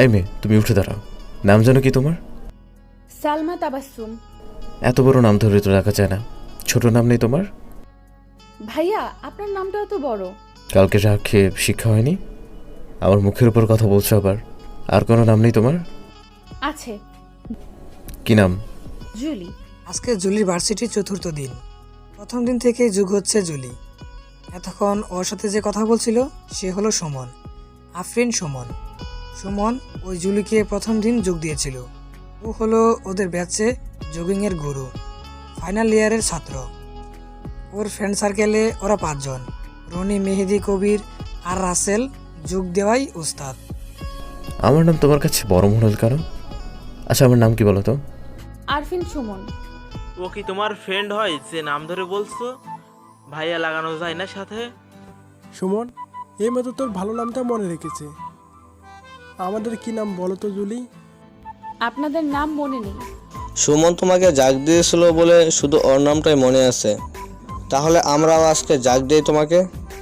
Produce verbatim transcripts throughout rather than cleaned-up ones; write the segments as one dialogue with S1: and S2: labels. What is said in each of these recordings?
S1: এই মেয়ে, তুমি উঠে দাঁড়াও। নাম জানো কি তোমার?
S2: সালমা তাবাসসুম।
S1: এত বড় নাম ধরে তো রাখা যায় না, ছোট নাম নেই তোমার?
S2: ভাইয়া, আপনার নামটা তো বড়।
S1: কালকে চা খেয়ে শিক্ষা হয়নি? আমার মুখের উপর কথা বলছো আবার। আর কোনো নাম নেই তোমার?
S2: আছে।
S1: কি নাম?
S2: জুলি।
S3: আজকে জুলির ভার্সিটির চতুর্থ দিন। প্রথম দিন থেকেই যুগ হচ্ছে জুলি। এতক্ষণ ওর সাথে যে কথা বলছিল সে হলো সুমন, আফরিন সুমন। সুমন ওই জুলিকে প্রথম দিন যোগ দিয়েছিল। ও হলো ওদের ব্যাচে জগিংয়ের গুরু, ফাইনাল ইয়ারের ছাত্র। ওর ফ্রেন্ড সার্কেলে ওরা পাঁচজন, রনি, মেহেদি, কবির আর রাসেল যোগ দেওয়াই উস্তাদ।
S1: আমার নাম তোমার কাছে বড় মনে হল কেন? আচ্ছা, আমার নাম কি বলো তো?
S2: আরফিন সুমন।
S4: ও কি তোমার ফ্রেন্ড হয় যে নাম ধরে বলছো? ভাইয়া লাগানো যায় না সাথে?
S5: সুমন, এই মতো তোর ভালো নামটা মনে রেখেছে। আমাদের কি নাম বলো তো জুলি?
S2: আপনাদের নাম মনে নেই।
S6: সুমন তোমাকে জাগ দিয়েছিল বলে শুধু ওর নামটাই মনে আছে। তাহলে আমরাও আজকে জাগ দিই তোমাকে।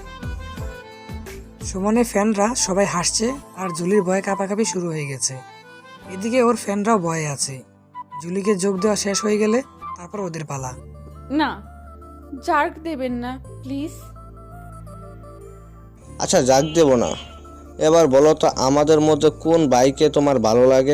S3: সুমনের ফ্যানরা সবাই হাসছে আর জুলির ভয়ে কাঁপাকাঁপি শুরু হয়ে গেছে। এদিকে ওর ফ্যানরাও ভয়ে আছে। জুলিকে যোগ দেওয়া শেষ হয়ে গেলে তারপর ওদের পালা।
S2: না, জার্ক দেবেন না প্লিজ।
S6: আচ্ছা, জাগ দেব না। এবার বলো তো আমাদের মধ্যে কোন বাইকে তোমার ভালো লাগে?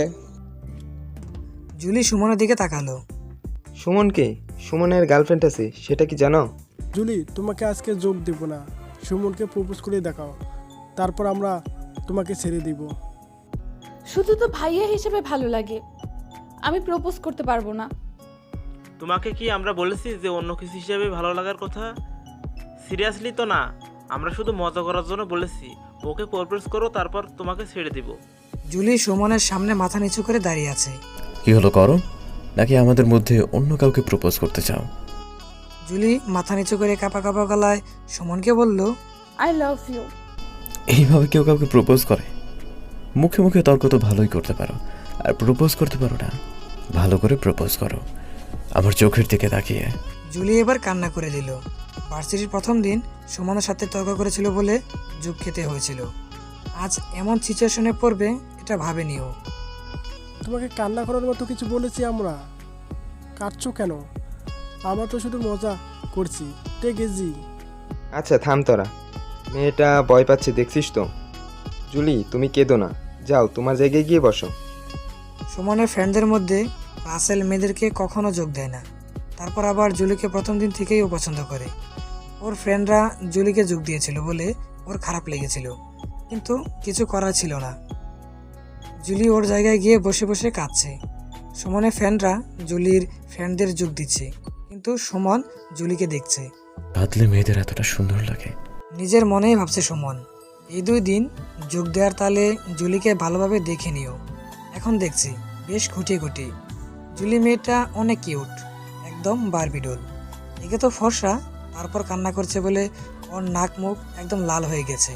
S3: জুলি সুমনের দিকে তাকালো।
S7: সুমনকে? সুমনের গার্লফ্রেন্ড আছে, সেটা কি জানো?
S5: জুলি, তোমাকে আজকে যোগ দেব না। সুমনকে প্রপোজ করে দেখাও, তারপর আমরা তোমাকে ছেড়ে দিব।
S2: শুধু তো ভাইয়া হিসেবে ভালো লাগে, আমি প্রপোজ করতে পারবো না।
S4: তোমাকে কি আমরা বলেছি যে অন্য কিছু হিসেবে ভালো লাগার কথা? সিরিয়াসলি তো না, আমরা শুধু মজা করার জন্য বলেছি। ওকে প্রপোজ করো, তারপর তোমাকে ছেড়ে দিব।
S3: জুলি সুমনের সামনে মাথা নিচু করে দাঁড়িয়ে আছে।
S1: কি হলো, করো? নাকি আমাদের মধ্যে অন্য কাউকে প্রপোজ করতে চাও?
S3: জুলি মাথা নিচু করে কাঁপা কাঁপা গলায় সুমনকে বলল,
S2: আই লাভ ইউ।
S1: এইভাবে কেউ কাউকে প্রপোজ করে? মুখে মুখে তর্ক তো ভালোই করতে পারো, আর প্রপোজ করতে পারো না? ভালো করে প্রপোজ করো, আমার চোখের দিকে তাকিয়ে।
S3: জুলি এবার কান্না করে দিল। ভার্সিটির প্রথম দিন সুমনের সাথে তর্ক করেছিল বলে যোগ খেতে হয়েছিল। আজ এমন সিচুয়েশনে পড়বে এটা ভাবেনিও।
S5: তোমাকে কান্না করার মতো কিছু বলেছি আমরা? কাঁদছো কেন? আমরা তো শুধু মজা করছি, টেক ইজি।
S7: আচ্ছা থাম তোরা, মেয়েটা ভয় পাচ্ছে দেখছিস তো। জুলি, তুমি কেঁদো না, যাও তোমার জায়গায় গিয়ে বসো।
S3: সুমনের ফ্রেন্ডদের মধ্যে রাসেল মেয়েদেরকে কখনো যোগ দেয় না, তারপর আবার জুলিকে প্রথম দিন থেকেই ও পছন্দ করে। ওর ফ্রেন্ডরা জুলিকে যোগ দিয়েছিল বলে ওর খারাপ লেগেছিল, কিন্তু কিছু করার ছিল না। জুলি ওর জায়গায় গিয়ে বসে বসে কাঁদছে। সুমনের ফ্রেন্ডরা জুলির ফ্রেন্ডদের যোগ দিচ্ছে, কিন্তু সুমন জুলিকে দেখছে।
S1: কাঁদলে মেয়েদের এতটা সুন্দর লাগে?
S3: নিজের মনেই ভাবছে সুমন। এই দুই দিন যোগ দেওয়ার তালে জুলিকে ভালোভাবে দেখে নিও। এখন দেখছি বেশ খুঁটিয়ে খুঁটি। জুলি মেয়েটা অনেক কিউট, একদম বারবিডোল। একে তো ফর্সা, তারপর কান্না করছে বলে ওর নাক মুখ একদম লাল হয়ে গেছে।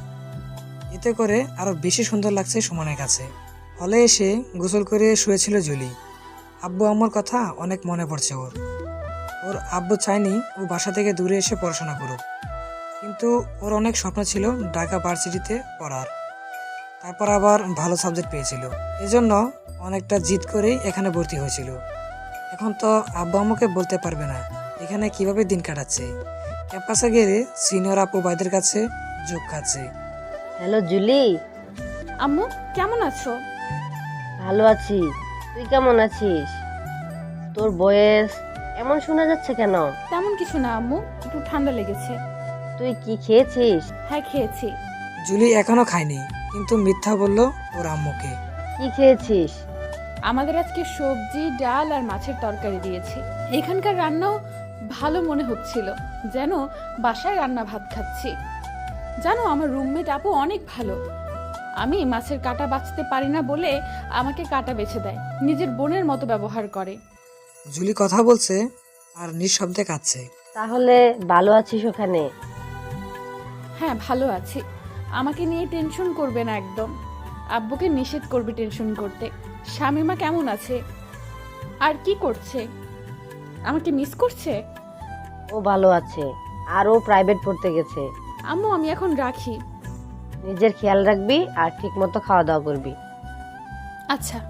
S3: এতে করে আরো বেশি সুন্দর লাগছে সুমনের কাছে। হলে এসে গোসল করে শুয়েছিল জুলি। আব্বু আম্মুর কথা অনেক মনে পড়ছে ওর। ওর আব্বু চায়নি ও বাসা থেকে দূরে এসে পড়াশোনা করুক, কিন্তু ওর অনেক স্বপ্ন ছিল ঢাকা ভার্সিটিতে পড়ার। তারপর আবার ভালো সাবজেক্ট পেয়েছিল, এজন্য অনেকটা জিদ করেই এখানে ভর্তি হয়েছিল। এখন তো আব্বু আম্মুকে বলতে পারবে না এখানে কিভাবে দিন কাটাচ্ছে। ক্যাম্পাসে গেলে সিনিয়র আপু ভাইদের কাছে যোগ খাচ্ছে।
S8: Hello Julie.
S2: আম্মু কেমন আছো?
S8: ভালো আছি, তুই কেমন আছিস? তোর বয়স এমন শোনা যাচ্ছে কেন?
S2: তেমন কিছু না আম্মু, একটু ঠান্ডা লেগেছে।
S8: তুই কি খেয়েছিস?
S2: হ্যাঁ খেয়েছি।
S3: জুলি এখনো খায়নি, কিন্তু মিথ্যা বলল ওর আম্মুকে।
S8: কি খেয়েছিস?
S2: আমাদের আজকে সবজি, ডাল আর মাছের তরকারি দিয়েছে। এখানকার রান্নাও ভালো মনে হচ্ছিল, যেন বাসায় রান্না ভাত খাচ্ছি। জানো, আমার রুমমেট আপু অনেক ভালো। আমি মাছের কাঁটা বাছতে পারি না বলে আমাকে কাঁটা বেছে দেয়, নিজের বোনের মতো ব্যবহার করে।
S3: জুলি কথা বলছে আর নিঃশব্দে কাঁদছে।
S8: তাহলে ভালো আছিস ওখানে?
S2: হ্যাঁ ভালো আছি, আমাকে নিয়ে টেনশন করবে না একদম। আব্বুকে নিষেধ করবে টেনশন করতে। শামিমা কেমন আছে আর কি করছে? আমাকে মিস করছে?
S8: ও ভালো আছে, আর ও প্রাইভেট পড়তে গেছে।
S2: আম্মু আমি এখন রাখি।
S8: নিজের খেয়াল রাখবি আর ঠিক মতো খাওয়া দাওয়া করবি।
S2: আচ্ছা।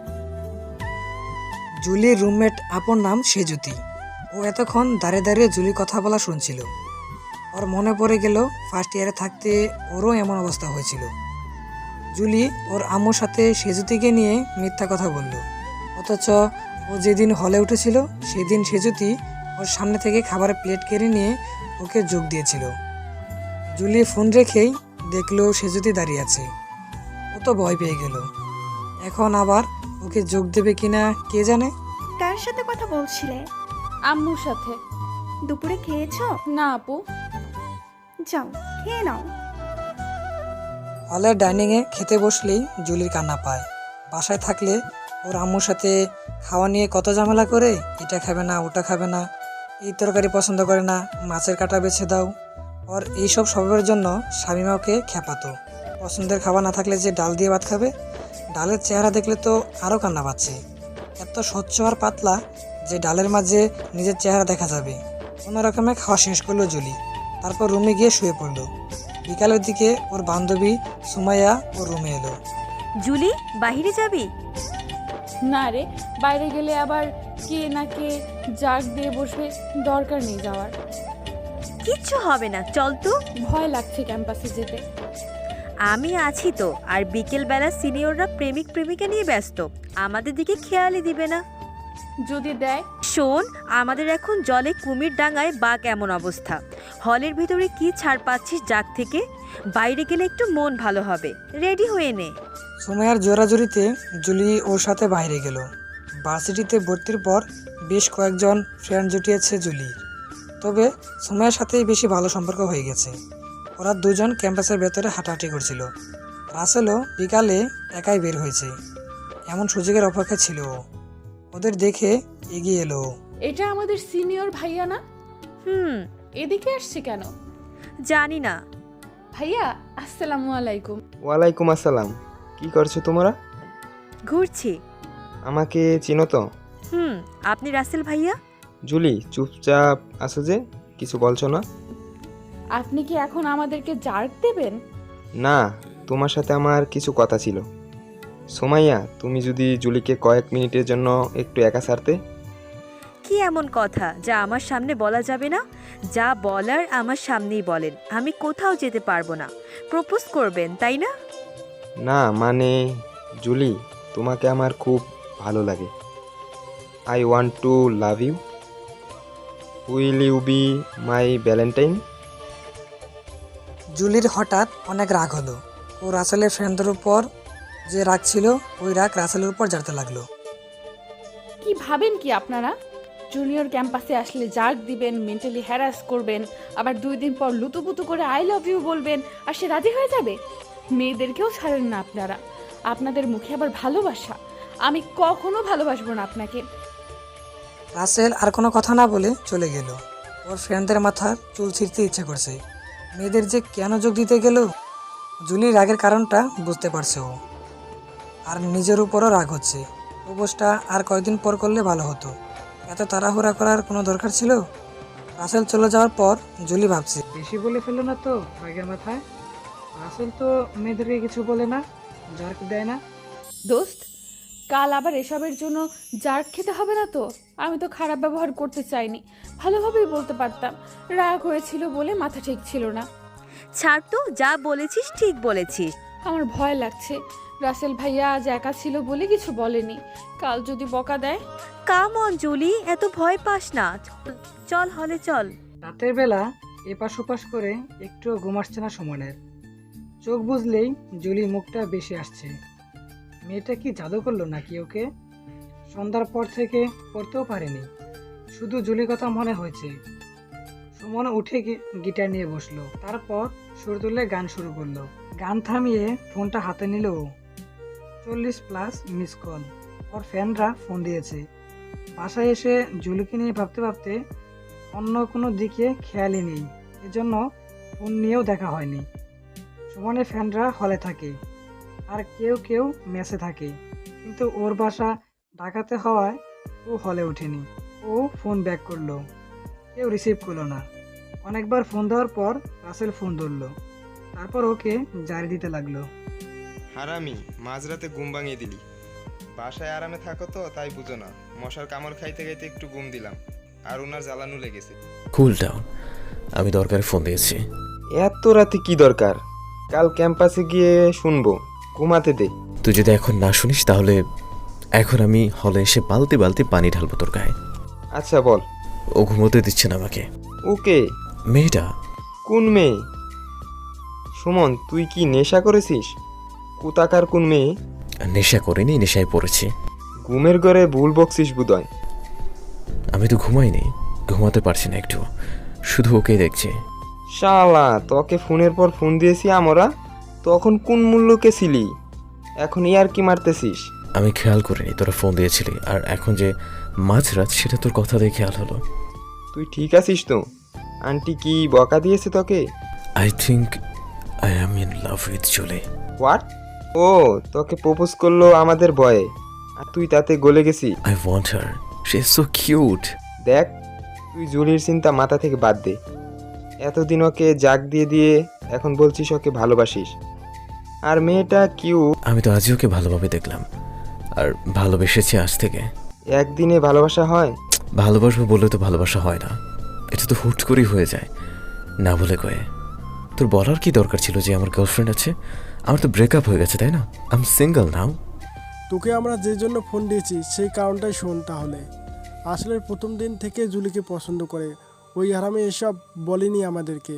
S3: জুলির রুমমেট আপন নাম সেজুতি। ও এতক্ষণ দাঁড়িয়ে দাঁড়িয়ে জুলির কথা বলা শুনছিল। ওর মনে পড়ে গেল ফার্স্ট ইয়ারে থাকতে ওরও এমন অবস্থা হয়েছিল। জুলি ওর আম্মুর সাথে সেজুতিকে নিয়ে মিথ্যা কথা বলল, অথচ ও যেদিন হলে উঠেছিল সেদিন সেজুতি ওর সামনে থেকে খাবারের প্লেট কেড়ে নিয়ে ওকে যোগ দিয়েছিল। জুলি ফোন রেখেই দেখলো সেজুতি দাঁড়িয়ে আছে। ও তো ভয় পেয়ে গেল। এখন আবার ওকে যোগ দেবে কিনা কে জানে।
S9: কার সাথে কথা বলছিলে?
S2: আম্মুর সাথে।
S9: দুপুরে খেয়েছো?
S2: না আপু।
S9: যাও খেয়ে নাও।
S3: হলের ডাইনিংয়ে খেতে বসলেই জুলির কান্না পায়। বাসায় থাকলে ওর আম্মুর সাথে খাওয়া নিয়ে কত ঝামেলা করে, এটা খাবে না ওটা খাবে না, এই তরকারি পছন্দ করে না, মাছের কাঁটা বেছে দাও। ওর এইসব স্বভাবের জন্য শামিমা ওকে খেপাতো। পছন্দের খাবার না থাকলে যে ডাল দিয়ে ভাত খাবে, ডালের চেহারা দেখলে তো আরও কান্না পাচ্ছে। এত স্বচ্ছ আর পাতলা যে ডালের মাঝে নিজের চেহারা দেখা যাবে। কোনো রকমে খাওয়া শেষ করলো জুলি, তারপর রুমে গিয়ে শুয়ে পড়লো। বিকালের দিকে ওর বান্ধবী সুমাইয়া ওর রুমে এলো।
S10: জুলি, বাহিরে যাবি?
S2: না রে, বাইরে গেলে আবার কে না কে জাগ দিয়ে বসবে, দরকার নেই যাওয়ার।
S10: কিচ্ছু হবে না, চল তো।
S2: ভয় লাগছে ক্যাম্পাসে যেতে।
S10: আমি আছি তো। আর বিকেলবেলা সিনিয়ররা প্রেমিক প্রেমিকা নিয়ে ব্যস্ত, আমাদের দিকে খেয়ালই দিবে না।
S2: যদি দেয়?
S10: শোন, আমাদের এখন জলে কুমির ডাঙায় বাঘ এমন অবস্থা। হলের ভিতরে কি ছাড় পাচ্ছিস জাগ থেকে? বাইরে গেলে একটু মন ভালো হবে, রেডি হয়ে নে।
S3: সুমাইয়ার জোরাজুরিতে জুলি ওর সাথে বাইরে গেল। ভার্সিটিতে ভর্তির পর বেশ কয়েকজন ফ্রেন্ড জুটিয়েছে জুলি, তবে সুমাইয়ার সাথেই বেশি ভালো সম্পর্ক হয়ে গেছে। ওরা দুজন ক্যাম্পাসের ভেতরে হাঁটাহাঁটি করছিল। রাসেলও বিকালে একাই বের হয়েছে। এমন সুযোগের অপেক্ষা ছিল ও। ওদের দেখে এগিয়ে এলো।
S2: এটা আমাদের সিনিয়র ভাইয়া না?
S10: হুম।
S2: এদিকে আসছে কেন
S10: জানি না।
S2: ভাইয়া আসসালামু আলাইকুম।
S7: ওয়ালাইকুম আসসালাম। কি করছো তোমরা?
S10: ঘুরছি।
S7: আমাকে চিনো তো?
S10: হুম। আপনি রাসেল ভাইয়া?
S7: জুলি, চুপচাপ আছো যে, কিছু বলছো না?
S2: আপনি কি এখন আমাদেরকে জার্ক দেবেন?
S7: না, তোমার সাথে আমার কিছু কথা ছিল। সোমাইয়া, তুমি যদি জুলিকে কয়েক মিনিটের জন্য একটু একা ছাড়তে।
S10: কি এমন কথা যা আমার সামনে বলা যাবে না? যা বলার আমার সামনেই বলেন, আমি কোথাও যেতে পারবো না। প্রপোজ করবেন তাই না?
S7: না মানে, জুলি, তোমাকে আমার খুব ভালো লাগে। I want to love you. Will you be my valentine?
S3: জুলির হঠাৎ অনেক রাগ হলো। ও রাসেলের ফ্রেন্ডদের উপর যে রাগ ছিল, ওই রাগ রাসেলের উপর জ্বালতে লাগলো।
S2: কি ভাবেন কি আপনারা? জুনিয়র ক্যাম্পাসে আসলে জার্ক দিবেন, মেন্টালি হ্যারাস করবেন, আবার দুই দিন পর লুতুপুতু করে আই লাভ ইউ বলবেন, আর সে রাজি হয়ে যাবে? মেয়েদেরকেও ছাড়েন না আপনারা। আপনাদের মুখে আবার ভালোবাসা। আমি কখনো ভালোবাসবো না আপনাকে।
S3: রাসেল আর কোনো কথা না বলে চলে গেল। ওর ফ্রেন্ডদের মাথার চুল ছিঁড়তে ইচ্ছে করছে। মেয়েদের যে কেন যোগ দিতে গেল? জুলির রাগের কারণটা বুঝতে পারছে ও, আর নিজের উপরও রাগ হচ্ছে। প্রপোজটা আর কয়েকদিন পর করলে ভালো হতো। এত তাড়াহুড়া করার কোনো দরকার ছিল? রাসেল চলে যাওয়ার পর জুলি ভাবছে, বেশি বলে ফেললো না তো রাগের মাথায়? রাসেল তো মেয়েদেরকে কিছু বলে না, জার্ক দেয় না।
S2: দোস্ত, কাল আবার এসবের জন্য জার্ক খেতে হবে না তো? আমি তো খারাপ ব্যবহার করতে চাইনি, ভালোভাবেই বলতে পারতাম। রাগ হয়েছিল বলে মাথা ঠিক ছিল না।
S10: ছাড় তো, যা বলেছিস ঠিক বলেছিস।
S2: আমার ভয় লাগছে। রাসেল ভাইয়া আজ একা ছিল বলে কিছু বলেনি, কাল যদি বকা দেয়।
S10: কাম অন জুলি, এত ভয় পাস না, চল হলে চল।
S3: রাতের বেলা এপাশ ওপাশ করে একটু ঘুম আসছে না সুমনের। চোখ বুঝলেই জুলির মুখটা বেশি আসছে। মেয়েটা কি জাদু করলো নাকি ওকে? সন্ধ্যার পর থেকে পড়তেও পারেনি, শুধু জুলির কথা মনে হয়েছে। সুমন উঠে গিয়ে গিটার নিয়ে বসলো, তারপর সুর তুলে গান শুরু করলো। গান থামিয়ে ফোনটা হাতে নিল ও। চল্লিশ প্লাস মিস কল। ওর ফ্যানরা ফোন দিয়েছে। বাসায় এসে জুলিকে নিয়ে ভাবতে ভাবতে অন্য কোনো দিকে খেয়ালই নেই, এজন্য ফোন নিয়েও দেখা হয়নি। সুমনের ফ্যানরা হলে থাকে, আর কেউ কেউ মেসে থাকে, কিন্তু ওর বাসা ঢাকাতে হওয়ায় ও হলে ওঠেনি। ও ফোন ব্যাক করলো, কেউ রিসিভ করলো না। অনেকবার ফোন দেওয়ার পর রাসেল ফোন ধরলো, তারপর ওকে জারি দিতে লাগলো।
S7: হারামি, মাঝরাতে ঘুম ভাঙিয়ে দিলি। বাসায় আরামে থাকো তো তাই বুঝো না। মশার কামড় খাইতে খাইতে একটু ঘুম দিলাম আর ওনার জ্বালানো লেগেছে।
S1: কুল ডাউন, আমি দরকারে ফোন দিয়েছি।
S7: এত রাতে কি দরকার? কাল ক্যাম্পাসে গিয়ে শুনবো, ঘুমাতে দে।
S1: তুই যদি এখন না শুনিস তাহলে এখন আমি হলে এসে বালতি বালতি পানি ঢালবো তোর গায়ে।
S7: আচ্ছা বল।
S1: ও ঘুমোতে দিচ্ছে না আমাকে।
S7: ওকে।
S1: মেয়েটা
S7: কোন মেয়ে? সুমন, তুই কি নেশা করেছিস? কোথাকার কোন মেয়ে?
S1: নেশা করিনি, নেশায় পড়েছি।
S7: ঘুমের ঘরে ভুল বকছিস বুদয়।
S1: আমি তো ঘুমাইনি, ঘুমাতে পারছি না একটু, শুধু ওকে দেখছি।
S7: শালা, তোকে ফোনের পর ফোন দিয়েছি আমরা, তখন কোন মূল্যকে ছিলি, এখন ইয়ার কি মারতেছিস?
S1: আমি খেয়াল করিনি তোরা ফোন দিয়েছিলি, আর এখন যে মাঝরাত সেটা তোর কথা দিয়ে খেয়াল হলো।
S7: তুই ঠিক আছিস তো? আন্টি কি বকা দিয়েছে তোকে?
S1: I think I am in love with Julie.
S7: What? ও তোকে প্রপোজ করলো আমাদের ভয়ে, আর তুই তাতে গলে গেছি।
S1: I want her, she is so cute.
S7: দেখ, তুই জুলির চিন্তা মাথা থেকে বাদ দে। এতদিন ওকে জাগ দিয়ে দিয়ে এখন বলছিস ওকে ভালোবাসিস, আর মেয়েটা কিউ।
S1: আমি তো আজই ওকে ভালোভাবে দেখলাম আর ভালোবেসেছি আজ থেকে।
S7: একদিনে ভালোবাসা হয়?
S1: ভালোবাসবো বলে তো ভালোবাসা হয় না, এটা তো হুট করেই হয়ে যায়, না বলে কয়ে। তোর বলার কি দরকার ছিল যে আমার গার্লফ্রেন্ড আছে? আমার তো ব্রেকআপ হয়ে গেছে, তাই না? I am single now.
S5: তোকে আমরা যে জন্য ফোন দিয়েছি সেই কারণটাই শোন তাহলে। আসলে প্রথম দিন থেকে জুলিকে পছন্দ করে, ওই হারামে এসব বলেনি আমাদেরকে।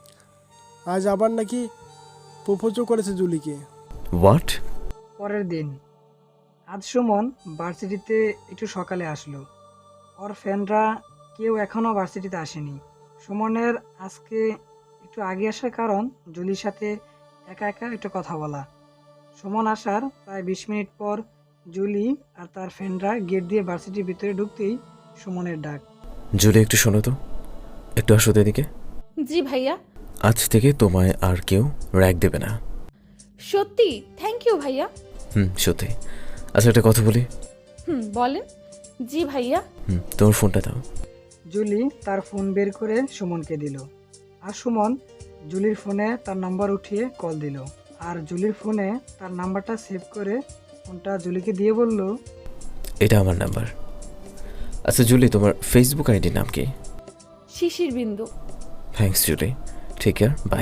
S5: আজ আবার নাকি প্রপোজও করেছে জুলিকে।
S1: হোয়াট?
S3: পরের দিন আজ সুমন ভার্সিটিতে একটু সকালে আসলো। ওর ফ্রেন্ডরা কেউ এখনও ভার্সিটিতে আসেনি। সুমনের আজকে একটু আগে আসার কারণ জুলির সাথে একা একা একটু কথা বলা। সুমন আসার প্রায় বিশ মিনিট পর জুলি আর তার ফ্রেন্ডরা গেট দিয়ে ভার্সিটির ভিতরে ঢুকতেই সুমনের ডাক।
S1: জুলি, একটু শোনো তো, একটু আসো তো এদিকে।
S2: জি ভাইয়া।
S1: আজ থেকে তোমায় আর কেউ র্যাক দেবে না।
S2: সত্যি? থ্যাংক ইউ ভাইয়া।
S1: হুম, সত্যি। আচ্ছা, একটা কথা বলি।
S2: হুম, বলেন। জি ভাইয়া।
S1: হুম, তোমার ফোনটা দাও।
S3: জুলি তার ফোন বের করে সুমনকে দিল, আর সুমন জুলির ফোনে তার নাম্বার উঠিয়ে কল দিল, আর জুলির ফোনে তার নাম্বারটা সেভ করে ফোনটা জুলিকে দিয়ে বলল,
S1: এটা আমার নাম্বার। আচ্ছা জুলি, তোমার ফেসবুক আইডির নাম কি?
S2: Shishir Bindu.
S1: Thanks Julie, take care, bye.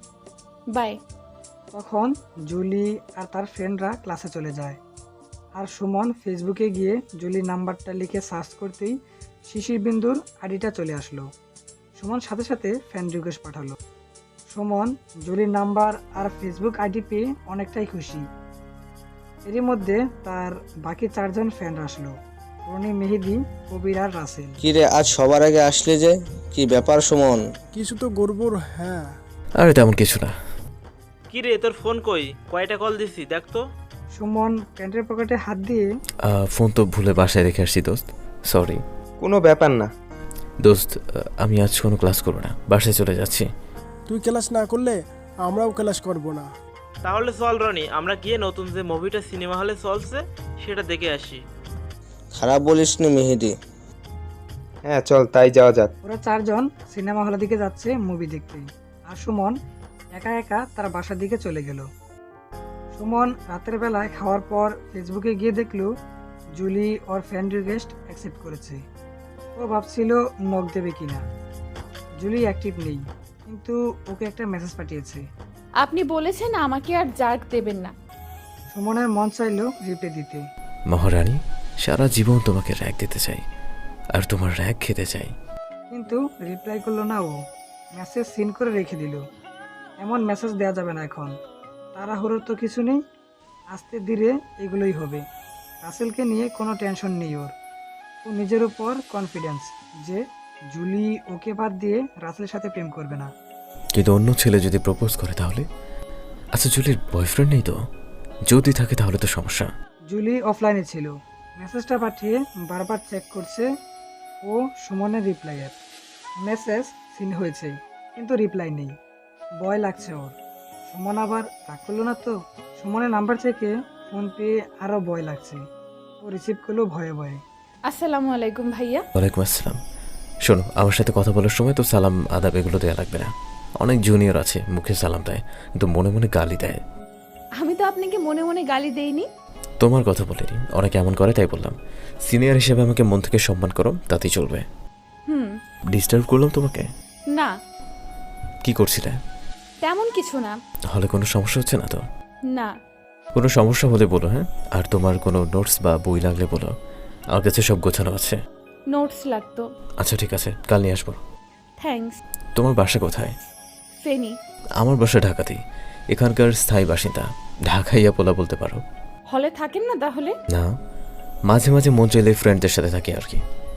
S2: Bye.
S3: তখন জুলি আর তার ফ্রেন্ডরা ক্লাসে চলে যায়, আর সুমন ফেসবুকে গিয়ে জুলির নাম্বারটা লিখে সার্চ করতেই শিশির বিন্দুর আইডিটা চলে আসলো। সুমন সাথে সাথে ফ্রেন্ড রিকোয়েস্ট পাঠালো। সুমন জুলির নাম্বার আর ফেসবুক আইডি পেয়ে অনেকটাই খুশি। এরই মধ্যে তার বাকি চারজন ফ্রেন্ড আসলো, রনি, মেহেদি, কবির আর রাসেল।
S6: কিরে, আজ সবার আগে আসলে যে, কি ব্যাপার সুমন?
S5: কিছু তো গড়বড়। হ্যাঁ।
S1: আরে তেমন কিছু না।
S4: কি রে, তোর ফোন কই? কয়টা কল দিছি দেখ তো।
S3: সুমন প্যান্টের পকেটে হাত দিয়ে,
S1: আহ, ফোন তো ভুলে বাসায় রেখে আসছি দোস্ত, সরি।
S7: কোনো ব্যাপার না
S1: দোস্ত, আমি আজ কোনো ক্লাস করবো না, বাসায় চলে যাচ্ছি।
S5: তুই ক্লাস না করলে আমরাও ক্লাস করব না।
S4: তাহলে চল রনি, আমরা গিয়ে নতুন যে মুভিটা সিনেমা হলে চলছে সেটা দেখে আসি।
S6: খারাপ বলিস নি মেহেদি।
S7: হ্যাঁ চল, তাই যাওয়া যাক।
S3: ওরা চারজন সিনেমা হলের দিকে যাচ্ছে মুভি দেখতে, আর সুমন একা একা তার বাসার দিকে চলে গেল। সুমন রাতের বেলায় খাওয়ার পর ফেসবুকে গিয়ে দেখলো জুলি ওর ফ্রেন্ড রিকোয়েস্ট অ্যাকসেপ্ট করেছে। ও ভাবছিল নক দেবে কিনা, জুলি অ্যাক্টিভ নেই, কিন্তু ওকে একটা মেসেজ পাঠিয়েছে।
S2: আপনি বলেছেন আমাকে আর জার্ক দেবেন না।
S3: সুমনের মন চাইলো রিপ্লাই দিতে,
S1: মহারানী, সারা জীবন তোমাকে র্যাক দিতে চাই আর তোমার র্যাক খেতে চাই।
S3: কিন্তু রিপ্লাই করলো না। ও মেসেজ সিন করে রেখে দিল। এমন মেসেজ দেওয়া যাবে না এখন, তাড়াহুড়োর তো কিছু নেই, আস্তে ধীরে এগুলোই হবে। রাসেলকে নিয়ে কোনো টেনশন নেই ওর। ও নিজের উপর কনফিডেন্স যে জুলি ওকে বাদ দিয়ে রাসেলের সাথে প্রেম করবে না।
S1: কিন্তু অন্য ছেলে যদি প্রপোজ করে তাহলে? আচ্ছা জুলির বয়ফ্রেন্ড নেই তো? যদি থাকে তাহলে তো সমস্যা।
S3: জুলি অফলাইনে ছিল, মেসেজটা পাঠিয়ে বারবার চেক করছে ও সুমনের রিপ্লাইয়ের। মেসেজ সিন হয়েছে কিন্তু রিপ্লাই নেই, ভয় লাগছে ওর। সুমন আবার রাগ করলো না তো? সুমনের নাম্বার থেকে ফোন পেয়ে আরও ভয় লাগছে। ও রিসিভ করলো ভয়ে ভয়ে।
S2: আসসালামু আলাইকুম ভাইয়া।
S1: ওয়ালাইকুম আসসালাম। শোনো, আমার সাথে কথা বলার সময় তো সালাম আদাব এগুলো দেওয়া লাগবে না। অনেক জুনিয়র আছে মুখে সালাম দেয় কিন্তু মনে মনে গালি দেয়।
S2: আমি তো আপনাকে মনে মনে গালি দেইনি।
S1: তোমার কথা বলিনি, অনেকে এমন করে তাই বললাম। সিনিয়র হিসেবে আমাকে মন থেকে সম্মান করো, তাতেই চলবে।
S2: হুম।
S1: ডিস্টার্ব করলাম তোমাকে?
S2: না,
S1: কি করছিলে?
S2: তেমন কিছু না।
S1: হলে কোনো সমস্যা হচ্ছে না তো?
S2: না।
S1: কোনো সমস্যা হলে বলো, হ্যাঁ? আর তোমার কোনো নোটস বা বই লাগলে বলো, আমার কাছে সব গোছানো আছে।
S2: নোটস লাগতো।
S1: আচ্ছা ঠিক আছে, কাল নিয়ে আসবো।
S2: থ্যাঙ্কস।
S1: তোমার বাসা কোথায়?
S2: ফেনি।
S1: আমার বাসা ঢাকাতেই, এখানকার স্থায়ী বাসিন্দা। ঢাকাইয়া পোলা বলতে পারো।
S2: হলে থাকেন না তাহলে?
S1: না, মাঝে মাঝে মন চাইলে ফ্রেন্ডদের সাথে থাকি আর কি।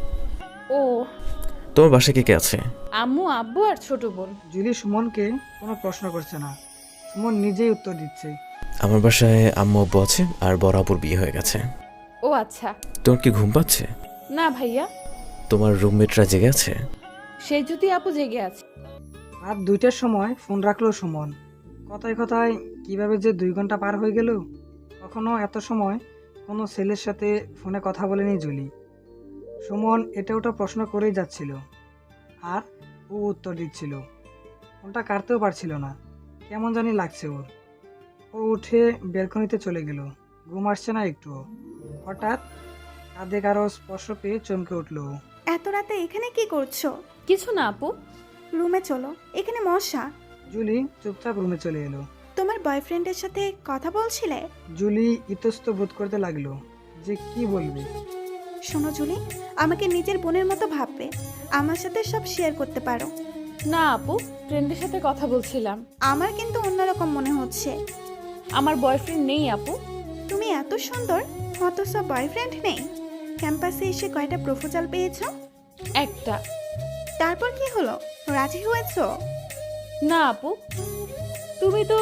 S2: ও।
S1: তোমার বাসায় কে কে আছে?
S2: আম্মু, আব্বু আর ছোট বোন।
S3: জুলি সুমনকে কোনো প্রশ্ন করছে না, সুমন নিজেই উত্তর দিচ্ছে।
S1: আমার বাসায় আম্মু আব্বু আছে আর বড় আপুর বিয়ে হয়ে গেছে।
S2: ও আচ্ছা।
S1: তোমার কি ঘুম পাচ্ছে?
S2: না ভাইয়া।
S1: তোমার রুমমেটরা জেগে আছে?
S2: সেই যদি আপু জেগে আছে।
S3: রাত দুইটার সময় ফোন রাখলো সুমন। কথায় কথায় কিভাবে যে দুই ঘন্টা পার হয়ে গেল। কখনো এত সময় কোনো ছেলের সাথে ফোনে কথা বলেনি জুলি। সুমন এটা ওটা প্রশ্ন করেই যাচ্ছিল আর ও উত্তর দিচ্ছিল। ফোনটা কাটতেও পারছিল না, কেমন জানি লাগছে ওর। ও উঠে বেলকনিতে চলে গেল। ঘুম আসছে না একটুও। হঠাৎ কাঁধে কারো স্পর্শ পেয়ে চমকে উঠল ও।
S9: এত রাতে এখানে কি করছো?
S2: কিছু না আপু।
S9: রুমে চলো, এখানে মশা।
S3: জুলি চুপচাপ রুমে চলে এলো।
S9: তোমার বয়ফ্রেন্ডের সাথে কথা বলছিলে?
S3: জুলি ইতস্ত বোধ করতে লাগলো যে কি বলবে।
S9: শোনো জুলি, আমাকে নিজের বোনের মতো ভাববে, আমার সাথে সব শেয়ার করতে পারো।
S2: না আপু, ফ্রেন্ডের সাথে কথা বলছিলাম।
S9: আমার কিন্তু অন্যরকম মনে হচ্ছে।
S2: আমার বয়ফ্রেন্ড নেই আপু।
S9: তুমি এত সুন্দর অথচ বয়ফ্রেন্ড নেই? ক্যাম্পাসে এসে কয়টা প্রপোজাল পেয়েছো?
S2: একটা।
S9: তারপর কি হলো, রাজি হয়েছো?
S2: না আপু, তুমি তো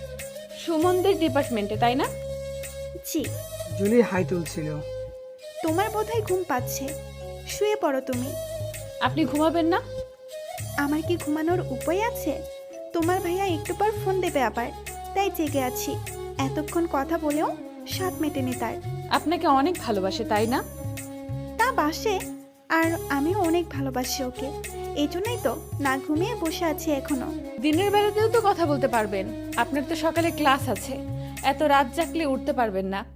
S2: সুমনদের ডিপার্টমেন্টে, তাই না?
S9: জি।
S3: জুলি হাই তুলছিল।
S9: তোমার বোধহয় ঘুম পাচ্ছে, শুয়ে পড়ো তুমি।
S2: আপনি ঘুমাবেন না?
S9: আমার কি ঘুমানোর উপায় আছে? তোমার ভাইয়া একটু পর ফোন দেবে আবার, তাই জেগে আছি। এতক্ষণ কথা বলেও স্বাদ মেটেনি তার।
S2: আপনাকে অনেক ভালোবাসে, তাই না?
S9: তা বাসে, আর আমিও অনেক ভালোবাসি ওকে। এই জন্যই তো না ঘুমিয়ে বসে আছি এখনো।
S2: দিনের বেলাতেও তো কথা বলতে পারবেন, আপনার তো সকালে ক্লাস আছে। এত রাত জাগলে উঠতে পারবেন না।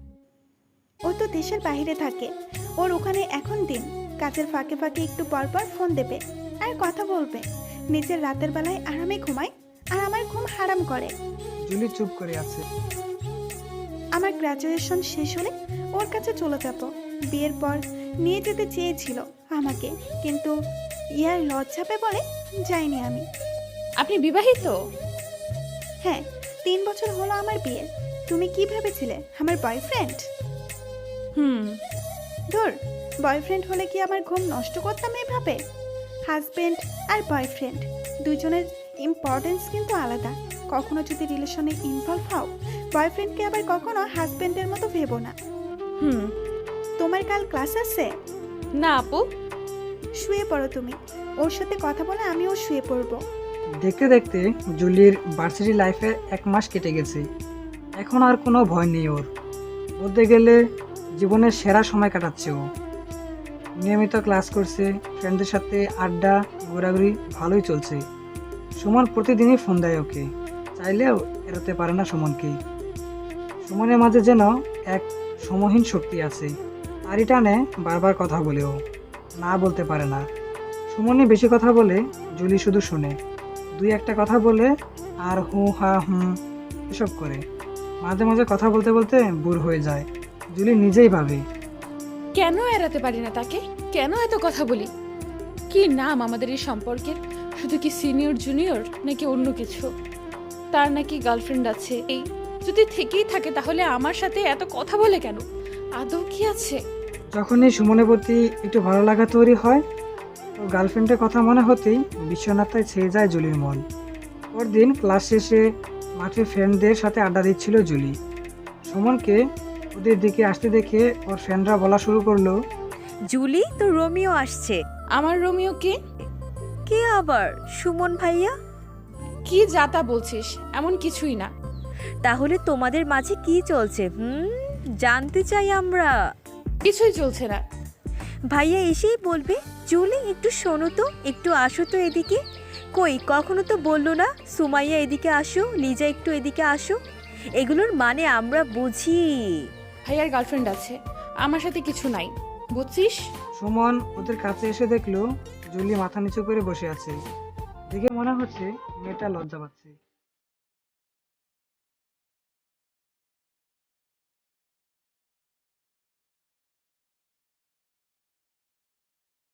S9: ও তো দেশের বাইরে থাকে, ওর ওখানে এখন দিন। কাজের ফাঁকে ফাঁকে একটু পর পর ফোন দেবে আর কথা বলবে। নিজের রাতের বেলায় আরামে ঘুমায় আর আমার ঘুম হারাম করে।
S3: জুলি চুপ করে আছে।
S9: আমার গ্রাজুয়েশন শেষ হলে ওর কাছে চলে যাব। বিয়ের পর নিয়ে যেতে চেয়েছিল আমাকে, কিন্তু ইয়ার লজ্জাপে বলে যাইনি আমি।
S2: আপনি বিবাহিত?
S9: হ্যাঁ, তিন বছর হলো আমার বিয়ে। তুমি কি ভেবেছিলে আমার বয়ফ্রেন্ড?
S2: হুম।
S9: ধর, বয়ফ্রেন্ড হলে কি আমার ঘুম নষ্ট করতাম এভাবে? হাজবেন্ড আর বয়ফ্রেন্ড দুজনের ইম্পর্টেন্স কিন্তু আলাদা। কখনো যদি রিলেশনে ইনভলভ হও, বয়ফ্রেন্ডকে আবার কখনো হাজবেন্ডের মতো ভেবো না।
S2: হুম।
S9: তোমার কাল ক্লাস আছে?
S2: না আপু।
S9: শুয়ে পড়ো তুমি, ওর সাথে কথা বলে আমিও শুয়ে পড়বো।
S3: দেখতে দেখতে জুলির ভার্সিটি লাইফের এক মাস কেটে গেছে। এখন আর কোনো ভয় নেই ওর। বলতে গেলে জীবনের সেরা সময় কাটাচ্ছে ও। নিয়মিত ক্লাস করছে, ফ্রেন্ডদের সাথে আড্ডা ঘোরাঘুরি ভালোই চলছে। সুমন প্রতিদিনই ফোন দেয় ওকে, চাইলেও এড়াতে পারে না সুমনকে। সুমনের মাঝে যেন এক সমহীন শক্তি আছে, তারই টানে বারবার কথা বলেও না বলতে পারে না। সুমনই বেশি কথা বলে, জুলি শুধু শুনে। দুই একটা কথা বলে আর হু হা হুম এসব করে। মাঝে মাঝে কথা বলতে বলতে বুর হয়ে যায়। জুলি নিজেই ভাবে,
S2: কেন এড়াতে পারি না তাকে? কেন এত কথা বলি? কি নাম আমাদের এই সম্পর্কের? শুধু কি সিনিয়র জুনিয়র, নাকি অন্য কিছু? তার নাকি গার্লফ্রেন্ড আছে। এই যদি থেকেই থাকে তাহলে আমার সাথে এত কথা বলে কেন? আদৌ কি আছে?
S3: যখনই সুমনের প্রতি একটু ভালো লাগা তৈরি হয়, তো গার্লফ্রেন্ডের কথা মনে হতেই বিশ্বনাথায় ছেয়ে যায় জুলির মন। পরদিন ক্লাস শেষে মাঠে ফ্রেন্ডদের সাথে আড্ডা দিচ্ছিল জুলি। সুমনকে ওদের দিকে আসতে দেখে ওর ফ্রেন্ডরা বলা শুরু করলো,
S10: জুলি, তো রোমিও আসছে।
S2: আমার রোমিও কে?
S10: কে আবার? সুমন ভাইয়া।
S2: কি যাতা বলছিস? এমন কিছুই না।
S10: তাহলে তোমাদের মাঝে কি চলছে? হুম, জানতে চাই আমরা।
S2: কিছুই চলছে না।
S10: ভাইয়া এসেই বলবে, জুলি একটু শোনো তো, একটু আসো তো এদিকে। কই, কখনো তো বললো না সুমাইয়া এদিকে আসো, লিজা একটু এদিকে আসো। এগুলোর মানে আমরা বুঝি।
S2: ভাইয়ার গার্লফ্রেন্ড আছে, আমার সাথে কিছু নাই, বুঝছিস?
S3: সুমন ওদের কাছে এসে দেখলো জুলি মাথা নিচু করে বসে আছে। দেখে মনে হচ্ছে মেয়েটা লজ্জা পাচ্ছে।